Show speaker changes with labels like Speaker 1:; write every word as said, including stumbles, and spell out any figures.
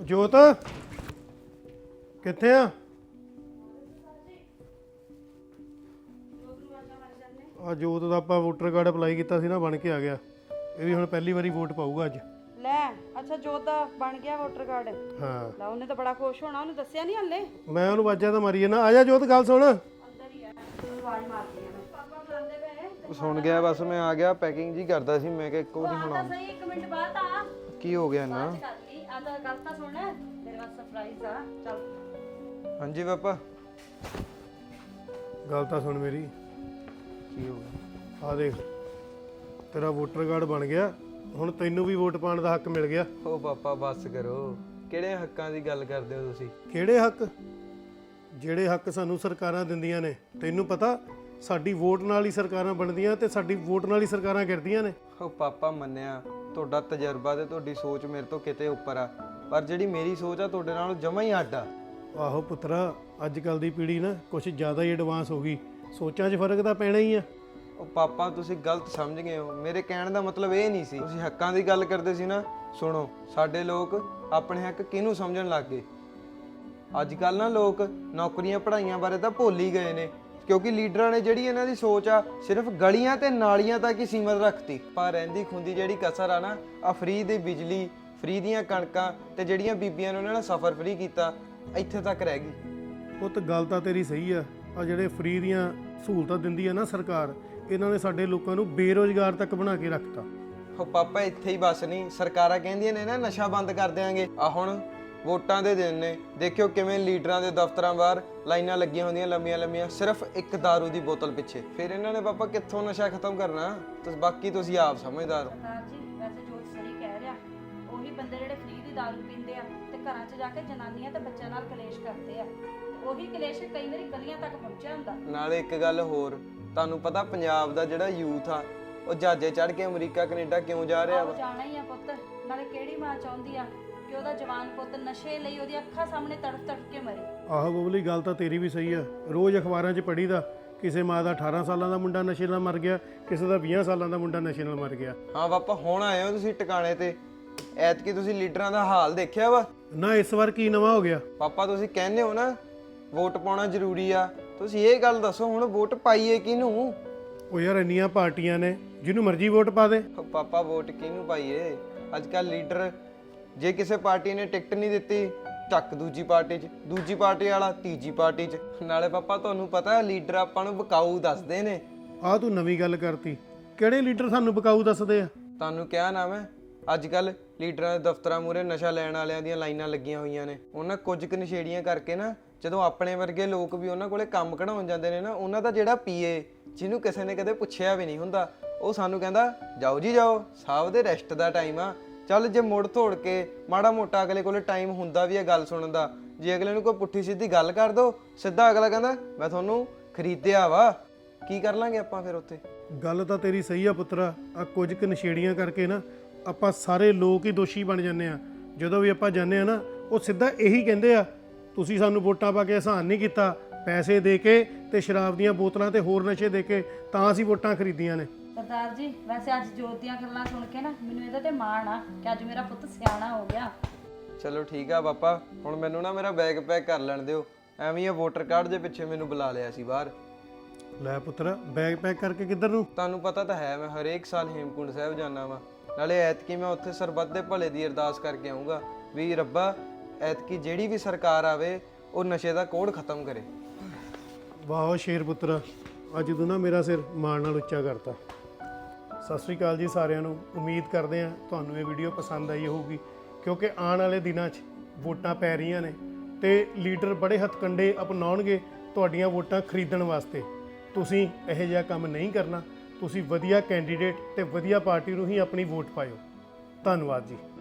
Speaker 1: ਜੋਤ ਕਿੱਥੇ ਆ? ਆ ਜੋਤ ਦਾ ਆਪਾਂ ਵੋਟਰ ਕਾਰਡ ਅਪਲਾਈ ਕੀਤਾ ਸੀ ਨਾ, ਬਣ ਕੇ ਆ ਗਿਆ। ਇਹ ਵੀ ਹੁਣ ਪਹਿਲੀ ਵਾਰੀ ਵੋਟ ਪਾਊਗਾ ਅੱਜ।
Speaker 2: ਲੈ ਅੱਛਾ, ਜੋਤ ਦਾ ਬਣ ਗਿਆ ਵੋਟਰ ਕਾਰਡ।
Speaker 1: ਹਾਂ
Speaker 2: ਲੈ ਉਹਨੇ ਤਾਂ ਬੜਾ ਖੁਸ਼ ਹੋਣਾ, ਉਹਨੂੰ ਦੱਸਿਆ ਨਹੀਂ ਹੱਲੇ।
Speaker 1: ਮੈਂ ਉਹਨੂੰ ਵਾਜਾ ਤਾਂ ਮਾਰੀ ਨਾ, ਆ ਜਾ ਜੋਤ ਗੱਲ ਸੁਣ।
Speaker 2: ਅੰਦਰ ਹੀ ਆ, ਆਵਾਜ਼ ਮਾਰਦੀ ਆ ਮੈਂ। ਪਾਪਾ ਬੁਲਾਉਂਦੇ ਪਏ।
Speaker 3: ਸੁਣ ਗਿਆ ਬਸ, ਮੈਂ ਆ ਗਿਆ। ਪੈਕਿੰਗ ਜੀ ਕਰਦਾ ਸੀ ਮੈਂ ਕਿ ਇੱਕੋ ਵਾਰੀ
Speaker 2: ਆ
Speaker 3: ਹੁਣ
Speaker 2: ਤਾਂ ਸਹੀ, ਇੱਕ ਮਿੰਟ ਬਾਅਦ ਆ।
Speaker 3: ਕੀ ਹੋ ਗਿਆ ਨਾ?
Speaker 2: ਕਰ ਲਈ ਆ ਤਾਂ ਗੱਲ ਤਾਂ ਸੁਣ, ਤੇਰੇ ਵਾਸਤੇ ਸਰਪ੍ਰਾਈਜ਼ ਆ। ਚੱਲ
Speaker 3: ਹਾਂਜੀ ਪਾਪਾ।
Speaker 1: ਗੱਲ ਤਾਂ ਸੁਣ ਮੇਰੀ।
Speaker 3: ਕੀ ਹੋ ਗਿਆ?
Speaker 1: ਆ ਦੇਖ, ਤੇਰਾ ਵੋਟਰ ਕਾਰਡ ਬਣ ਗਿਆ, ਹੁਣ ਤੈਨੂੰ ਵੀ ਵੋਟ ਪਾਉਣ ਦਾ ਹੱਕ ਮਿਲ ਗਿਆ।
Speaker 3: ਓ ਪਾਪਾ ਬਸ ਕਰੋ, ਕਿਹੜੇ ਹੱਕਾਂ ਦੀ ਗੱਲ ਕਰਦੇ ਹੋ ਤੁਸੀਂ?
Speaker 1: ਕਿਹੜੇ ਹੱਕ? ਜਿਹੜੇ ਹੱਕ ਸਾਨੂੰ ਸਰਕਾਰਾਂ ਦਿੰਦੀਆਂ ਨੇ। ਤੈਨੂੰ ਪਤਾ ਸਾਡੀ ਵੋਟ ਨਾਲ ਹੀ ਸਰਕਾਰਾਂ ਬਣਦੀਆਂ ਤੇ ਸਾਡੀ ਵੋਟ ਨਾਲ ਹੀ ਸਰਕਾਰਾਂ ਗਿਰਦੀਆਂ ਨੇ।
Speaker 3: ਓ ਪਾਪਾ ਮੰਨਿਆ, ਤੁਹਾਡਾ ਤਜਰਬਾ ਤੇ ਤੁਹਾਡੀ ਸੋਚ ਮੇਰੇ ਤੋਂ ਕਿਤੇ ਉੱਪਰ ਆ, ਪਰ ਜਿਹੜੀ ਮੇਰੀ ਸੋਚ ਆ ਤੁਹਾਡੇ ਨਾਲੋਂ ਜਮਾਂ ਹੀ ਅੱਡ ਆ।
Speaker 1: ਆਹੋ ਪੁੱਤਰਾ, ਅੱਜ ਕੱਲ ਦੀ ਪੀੜ੍ਹੀ ਨਾ ਕੁਛ ਜ਼ਿਆਦਾ ਹੀ ਐਡਵਾਂਸ ਹੋ ਗਈ, ਸੋਚਾਂ 'ਚ ਫਰਕ ਤਾਂ ਪੈਣਾ ਹੀ ਆ।
Speaker 3: ਉਹ ਪਾਪਾ ਤੁਸੀਂ ਗਲਤ ਸਮਝ ਗਏ ਹੋ, ਮੇਰੇ ਕਹਿਣ ਦਾ ਮਤਲਬ ਇਹ ਨਹੀਂ ਸੀ। ਤੁਸੀਂ ਹੱਕਾਂ ਦੀ ਗੱਲ ਕਰਦੇ ਸੀ ਨਾ। ਸੁਣੋ, ਸਾਡੇ ਲੋਕ ਆਪਣੇ ਹੱਕ ਕਿਹਨੂੰ ਸਮਝਣ ਲੱਗ ਗਏ? ਅੱਜ ਕੱਲ ਨਾ ਲੋਕ ਨੌਕਰੀਆਂ ਪੜ੍ਹਾਈਆਂ ਬਾਰੇ ਤਾਂ ਭੁੱਲ ਹੀ ਗਏ ਨੇ, ਕਿਉਂਕਿ ਲੀਡਰਾਂ ਨੇ ਜਿਹੜੀ ਇਹਨਾਂ ਦੀ ਸੋਚ ਆ ਸਿਰਫ ਗਲੀਆਂ ਤੇ ਨਾਲੀਆਂ ਤੱਕ ਹੀ ਸੀਮਤ ਰੱਖਤੀ। ਪਰ ਰਹਿੰਦੀ ਖੁੰਦੀ ਜਿਹੜੀ ਕਸਰ ਆ ਨਾ, ਆ ਫ੍ਰੀ ਦੀ ਬਿਜਲੀ, ਫ੍ਰੀ ਦੀਆਂ ਕਣਕਾਂ ਤੇ ਜਿਹੜੀਆਂ ਬੀਬੀਆਂ ਨੇ ਉਹਨਾਂ ਨੇ ਸਫ਼ਰ ਫ੍ਰੀ ਕੀਤਾ, ਇੱਥੇ ਤੱਕ ਰਹਿ ਗਈ।
Speaker 1: ਪੁੱਤ ਗੱਲ ਤਾਂ ਤੇਰੀ ਸਹੀ ਆ। ਆ ਜਿਹੜੇ ਫ੍ਰੀ ਦੀਆਂ ਸਹੂਲਤਾਂ ਦਿੰਦੀ ਆ ਨਾ ਸਰਕਾਰ, ਇਹਨਾਂ ਨੇ ਸਾਡੇ ਲੋਕਾਂ ਨੂੰ ਬੇਰੁਜ਼ਗਾਰ ਤੱਕ ਬਣਾ ਕੇ ਰੱਖਤਾ।
Speaker 3: ਹੋ ਪਾਪਾ ਇੱਥੇ ਹੀ ਬਸ ਨਹੀਂ, ਸਰਕਾਰਾਂ ਕਹਿੰਦੀਆਂ ਨੇ ਨਾ ਨਸ਼ਾ ਬੰਦ ਕਰ ਦਿਆਂਗੇ। ਆ ਹੁਣ ਵੋਟਾਂ ਦੇ ਦਿਨ ਨੇ, ਦੇਖਿਓ ਕਿਵੇਂ ਲੀਡਰਾਂ ਦੇ ਦਫ਼ਤਰਾਂ ਬਾਹਰ ਲਾਈਨਾਂ ਲੱਗੀਆਂ ਹੁੰਦੀਆਂ ਲੰਮੀਆਂ ਲੰਮੀਆਂ, ਸਿਰਫ ਇੱਕ ਦਾਰੂ ਦੀ ਬੋਤਲ ਪਿੱਛੇ। ਫਿਰ ਇਹਨਾਂ ਨੇ ਪਾਪਾ ਕਿੱਥੋਂ ਨਸ਼ਾ ਖਤਮ ਕਰਨਾ? ਤੁਸੀਂ ਬਾਕੀ ਤੁਸੀਂ ਆਪ ਸਮਝਦਾਰ ਹੋ।
Speaker 2: ਸਰਦਾਰ ਜੀ, ਵੈਸੇ ਜੋਤ ਸਹੀ ਕਹਿ ਰਿਹਾ। ਉਹੀ ਬੰਦੇ ਜਿਹੜੇ ਫ੍ਰੀ ਦੀ ਦਾਰੂ ਪੀਂਦੇ ਆ ਤੇ ਘਰਾਂ 'ਚ ਜਾ ਕੇ ਜਨਾਨੀਆਂ ਤੇ ਬੱਚਿਆਂ ਨਾਲ ਕਲੇਸ਼ ਕਰਦੇ ਆ, ਤੇ ਉਹੀ ਕਲੇਸ਼ ਕਈ ਵਾਰੀ ਗਲੀਆਂ ਤੱਕ ਪਹੁੰਚਿਆ ਹੁੰਦਾ।
Speaker 3: ਨਾਲੇ ਇੱਕ ਗੱਲ ਹੋਰ, ਤੁਹਾਨੂੰ ਪਤਾ ਪੰਜਾਬ ਦਾ ਜਿਹੜਾ ਯੂਥ ਆ ਉਹ ਜਹਾਜ਼ੇ ਚੜ੍ਹ ਕੇ ਅਮਰੀਕਾ ਕੈਨੇਡਾ ਕਿਉਂ ਜਾ ਰਿਹਾ ਵਾ?
Speaker 2: ਉਹ ਜਾਣਾ ਹੀ ਆ ਪੁੱਤ। ਨਾਲੇ ਕਿਹੜੀ ਮਾਂ ਚਾਹੁੰਦੀ ਆ ਕਿ ਉਹਦਾ ਜਵਾਨ ਪੁੱਤ ਨਸ਼ੇ ਲਈ ਉਹਦੀ ਅੱਖਾਂ ਸਾਹਮਣੇ ਤੜਫ ਤੜਫ ਕੇ ਮਰੇ?
Speaker 1: ਆਹੋ ਬਬਲੀ, ਗੱਲ ਤਾਂ ਤੇਰੀ ਵੀ ਸਹੀ ਆ। ਰੋਜ਼ ਅਖਬਾਰਾਂ 'ਚ ਪੜ੍ਹੀਦਾ, ਕਿਸੇ ਮਾਂ ਦਾ ਅਠਾਰਾਂ ਸਾਲਾਂ ਦਾ ਮੁੰਡਾ ਨਸ਼ੇ ਨਾਲ ਮਰ ਗਿਆ, ਕਿਸੇ ਦਾ ਵੀਹ ਸਾਲਾਂ ਦਾ ਮੁੰਡਾ ਨਸ਼ੇ ਨਾਲ ਮਰ ਗਿਆ।
Speaker 3: ਹਾਂ ਪਾਪਾ, ਹੁਣ ਆਏ ਹੋ ਤੁਸੀਂ ਟਿਕਾਣੇ ਤੇ। ਐਤਕੀ ਤੁਸੀਂ ਲੀਡਰਾਂ ਦਾ ਹਾਲ ਦੇਖਿਆ ਵਾ?
Speaker 1: ਨਾ ਇਸ ਵਾਰ ਕੀ ਨਵਾਂ ਹੋ ਗਿਆ?
Speaker 3: ਪਾਪਾ ਤੁਸੀਂ ਕਹਿੰਦੇ ਹੋ ਨਾ ਵੋਟ ਪਾਉਣਾ ਜ਼ਰੂਰੀ ਆ, ਤੁਸੀਂ ਇਹ ਗੱਲ ਦੱਸੋ ਹੁਣ ਵੋਟ ਪਾਈਏ ਕਿਹਨੂੰ?
Speaker 1: ਉਹ ਯਾਰ ਇੰਨੀਆਂ ਪਾਰਟੀਆਂ ਨੇ, ਜਿਹਨੂੰ ਮਰਜ਼ੀ ਵੋਟ ਪਾ ਦੇ।
Speaker 3: ਉਹ ਪਾਪਾ ਵੋਟ ਕਿਹਨੂੰ ਪਾਈਏ? ਅੱਜ ਕੱਲ ਲੀਡਰ, ਜੇ ਕਿਸੇ ਪਾਰਟੀ ਨੇ ਟਿਕਟ ਨਹੀਂ ਦਿੱਤੀ, ਚੱਕ ਦੂਜੀ ਪਾਰਟੀ 'ਚ, ਦੂਜੀ ਪਾਰਟੀ ਵਾਲਾ ਤੀਜੀ ਪਾਰਟੀ 'ਚ। ਨਾਲੇ ਪਾਪਾ ਤੁਹਾਨੂੰ ਪਤਾ ਲੀਡਰ ਆਪਾਂ ਨੂੰ ਬਕਾਊ ਦੱਸਦੇ ਨੇ।
Speaker 1: ਆਹ ਤੂੰ ਨਵੀਂ ਗੱਲ ਕਰਤੀ। ਕਿਹੜੇ ਲੀਡਰ ਸਾਨੂੰ ਬਕਾਊ ਦੱਸਦੇ ਆ?
Speaker 3: ਤੁਹਾਨੂੰ ਕਿਹਾ ਨਾ ਮੈਂ, ਅੱਜ ਕੱਲ ਲੀਡਰਾਂ ਦੇ ਦਫ਼ਤਰਾਂ ਮੂਹਰੇ ਨਸ਼ਾ ਲੈਣ ਵਾਲਿਆਂ ਦੀਆਂ ਲਾਈਨਾਂ ਲੱਗੀਆਂ ਹੋਈਆਂ ਨੇ। ਉਹਨਾਂ ਕੁਝ ਕੁ ਨਸ਼ੇੜੀਆਂ ਕਰਕੇ ਨਾ, ਜਦੋਂ ਆਪਣੇ ਵਰਗੇ ਲੋਕ ਵੀ ਉਹਨਾਂ ਕੋਲੇ ਕੰਮ ਕਢਾਉਣ ਜਾਂਦੇ ਨੇ ਨਾ, ਉਹਨਾਂ ਦਾ ਜਿਹੜਾ ਪੀਏ, ਜਿਹਨੂੰ ਕਿਸੇ ਨੇ ਕਦੇ ਪੁੱਛਿਆ ਵੀ ਨਹੀਂ ਹੁੰਦਾ, ਉਹ ਸਾਨੂੰ ਕਹਿੰਦਾ ਜਾਓ ਜੀ ਜਾਓ, ਸਾਹਿਬ ਦੇ ਰੈਸਟ ਦਾ ਟਾਈਮ ਆ। ਚੱਲ ਜੇ ਮੁੜ ਤੋੜ ਕੇ ਮਾੜਾ ਮੋਟਾ ਅਗਲੇ ਕੋਲੇ ਟਾਈਮ ਹੁੰਦਾ ਵੀ ਹੈ ਗੱਲ ਸੁਣਨ ਦਾ, ਜੇ ਅਗਲੇ ਨੂੰ ਕੋਈ ਪੁੱਠੀ ਸਿੱਧੀ ਗੱਲ ਕਰ ਦੋ, ਸਿੱਧਾ ਅਗਲਾ ਕਹਿੰਦਾ ਮੈਂ ਤੁਹਾਨੂੰ ਖਰੀਦਿਆ ਵਾ। ਕੀ ਕਰ ਲਾਂਗੇ ਆਪਾਂ ਫਿਰ ਉੱਥੇ?
Speaker 1: ਗੱਲ ਤਾਂ ਤੇਰੀ ਸਹੀ ਆ ਪੁੱਤਰਾ। ਆ ਕੁਝ ਕੁ ਨਸ਼ੇੜੀਆਂ ਕਰਕੇ ਨਾ ਆਪਾਂ ਸਾਰੇ ਲੋਕ ਹੀ ਦੋਸ਼ੀ ਬਣ ਜਾਂਦੇ ਆ। ਜਦੋਂ ਵੀ ਆਪਾਂ ਜਾਂਦੇ ਆ ਨਾ, ਉਹ ਸਿੱਧਾ ਇਹੀ ਕਹਿੰਦੇ ਆ, ਤੁਸੀਂ ਸਾਨੂੰ ਵੋਟਾਂ ਪਾ ਕੇ ਆਸਾਨ ਨਹੀਂ ਕੀਤਾ, ਪੈਸੇ ਦੇ ਕੇ ਤੇ ਸ਼ਰਾਬ ਦੀਆਂ ਬੋਤਲਾਂ ਤੇ ਹੋਰ ਨਸ਼ੇ ਦੇ ਕੇ ਤਾਂ ਅਸੀਂ ਵੋਟਾਂ ਖਰੀਦੀਆਂ ਨੇ।
Speaker 2: ਸਰਦਾਰ ਜੀ, ਵੈਸੇ ਅੱਜ ਜੋਤ ਦੀਆਂ ਗੱਲਾਂ ਸੁਣ ਕੇ ਨਾ ਮੈਨੂੰ ਇਹਦੇ ਤੇ ਮਾਣ ਆ ਕਿ ਅੱਜ ਮੇਰਾ ਪੁੱਤ ਸਿਆਣਾ ਹੋ ਗਿਆ।
Speaker 3: ਚਲੋ ਠੀਕ ਆ ਪਾਪਾ, ਹੁਣ ਮੈਨੂੰ ਨਾ ਮੇਰਾ ਬੈਗ ਪੈਕ ਕਰ ਲੈਣ ਦਿਓ। ਐਵੇਂ ਇਹ ਵੋਟਰ ਕਾਰਡ ਦੇ ਪਿੱਛੇ ਮੈਨੂੰ ਬੁਲਾ ਲਿਆ ਸੀ ਬਾਹਰ।
Speaker 1: ਲੈ ਪੁੱਤਰਾ, ਬੈਗ ਪੈਕ ਕਰਕੇ ਕਿੱਧਰ ਨੂੰ?
Speaker 3: ਤੁਹਾਨੂੰ ਪਤਾ ਤਾਂ ਹੈ ਮੈਂ ਹਰੇਕ ਸਾਲ ਹੇਮਕੁੰਡ ਸਾਹਿਬ ਜਾਂਦਾ ਵਾਂ। ਨਾਲੇ ਐਤਕੀ ਮੈਂ ਉੱਥੇ ਸਰਬੱਤ ਦੇ ਭਲੇ ਦੀ ਅਰਦਾਸ ਕਰਕੇ ਆਊਂਗਾ ਵੀ ਰੱਬਾ ਐਤਕੀ ਜਿਹੜੀ ਵੀ ਸਰਕਾਰ ਆਵੇ ਉਹ ਨਸ਼ੇ ਦਾ ਕੋੜ ਖਤਮ ਕਰੇ।
Speaker 1: ਵਾਹ ਸ਼ੇਰ ਪੁੱਤਰਾ, ਅੱਜ ਤੂੰ ਨਾ ਮੇਰਾ ਸਿਰ ਮਾਣ ਨਾਲ ਉੱਚਾ ਕਰਤਾ। ਸਤਿ ਸ਼੍ਰੀ ਅਕਾਲ ਜੀ ਸਾਰਿਆਂ ਨੂੰ। ਉਮੀਦ ਕਰਦੇ ਹਾਂ ਤੁਹਾਨੂੰ ਇਹ ਵੀਡੀਓ ਪਸੰਦ ਆਈ ਹੋਊਗੀ, ਕਿਉਂਕਿ ਆਉਣ ਵਾਲੇ ਦਿਨਾਂ 'ਚ ਵੋਟਾਂ ਪੈ ਰਹੀਆਂ ਨੇ ਤੇ ਲੀਡਰ ਬੜੇ ਹੱਥਕੰਡੇ ਅਪਣਾਉਣਗੇ ਤੁਹਾਡੀਆਂ ਵੋਟਾਂ ਖਰੀਦਣ ਵਾਸਤੇ। ਤੁਸੀਂ ਇਹੋ ਜਿਹਾ ਕੰਮ ਨਹੀਂ ਕਰਨਾ। ਤੁਸੀਂ ਵਧੀਆ ਕੈਂਡੀਡੇਟ ਤੇ ਵਧੀਆ ਪਾਰਟੀ ਨੂੰ ਹੀ ਆਪਣੀ ਵੋਟ ਪਾਇਓ। ਧੰਨਵਾਦ ਜੀ।